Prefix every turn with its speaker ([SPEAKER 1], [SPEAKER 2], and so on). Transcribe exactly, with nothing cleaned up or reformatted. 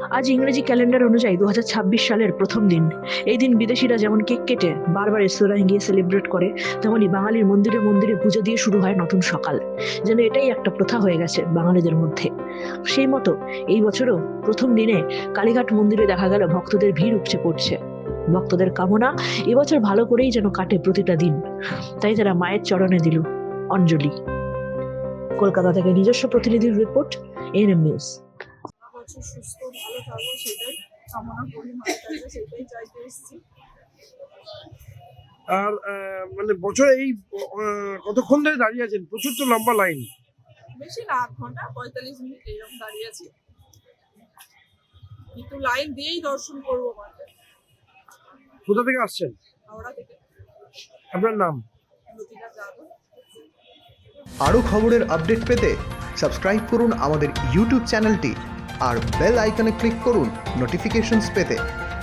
[SPEAKER 1] আজ ইংরেজি ক্যালেন্ডার অনুযায়ী দু হাজার ছাব্বিশ সালের প্রথম দিন। এই দিন বিদেশিরা যেমন কেক কেটে বারবার রেস্তোরাঁয় গিয়ে সেলিব্রেট করে, তেমনই বাঙালির মন্দিরে মন্দিরে পুজো দিয়ে শুরু হয় নতুন সকাল। যেন এটাই একটা প্রথা হয়ে গেছে বাঙালিদের মধ্যে। সেই মতো এই বছরও প্রথম দিনে কালীঘাট মন্দিরে দেখা গেল ভক্তদের ভিড় উপচে পড়ছে। ভক্তদের কামনা এবছর ভালো করেই যেন কাটে প্রতিটা দিন, তাই তারা মায়ের চরণে দিল অঞ্জলি। কলকাতা থেকে নিজস্ব প্রতিনিধির রিপোর্ট, এএনএম নিউজ।
[SPEAKER 2] বছর সুস্থ ভালো থাকবো সেটাই কামনা করি, মায়ের কাছে সেটাই চাইতে এসেছি।
[SPEAKER 3] আর আহ, মানে বছরে এই আহ, কতক্ষণ ধরে দাঁড়িয়ে আছেন? প্রচুর তো লম্বা লাইন।
[SPEAKER 2] বেশি না, আধ ঘন্টা পঁয়তাল্লিশ মিনিট এইরকম দাঁড়িয়ে আছি, কিন্তু লাইন দিয়েই দর্শন করবো মাকে।
[SPEAKER 3] কোথা থেকে আসছেন?
[SPEAKER 2] হাওড়া থেকে।
[SPEAKER 3] আপনার নাম?
[SPEAKER 2] লতিকা যাদব।
[SPEAKER 4] আরও খবরের আপডেট পেতে সাবস্ক্রাইব করুন আমাদের ইউটিউব চ্যানেলটি আর বেল আইকনে ক্লিক করুন নোটিফিকেশনস পেতে।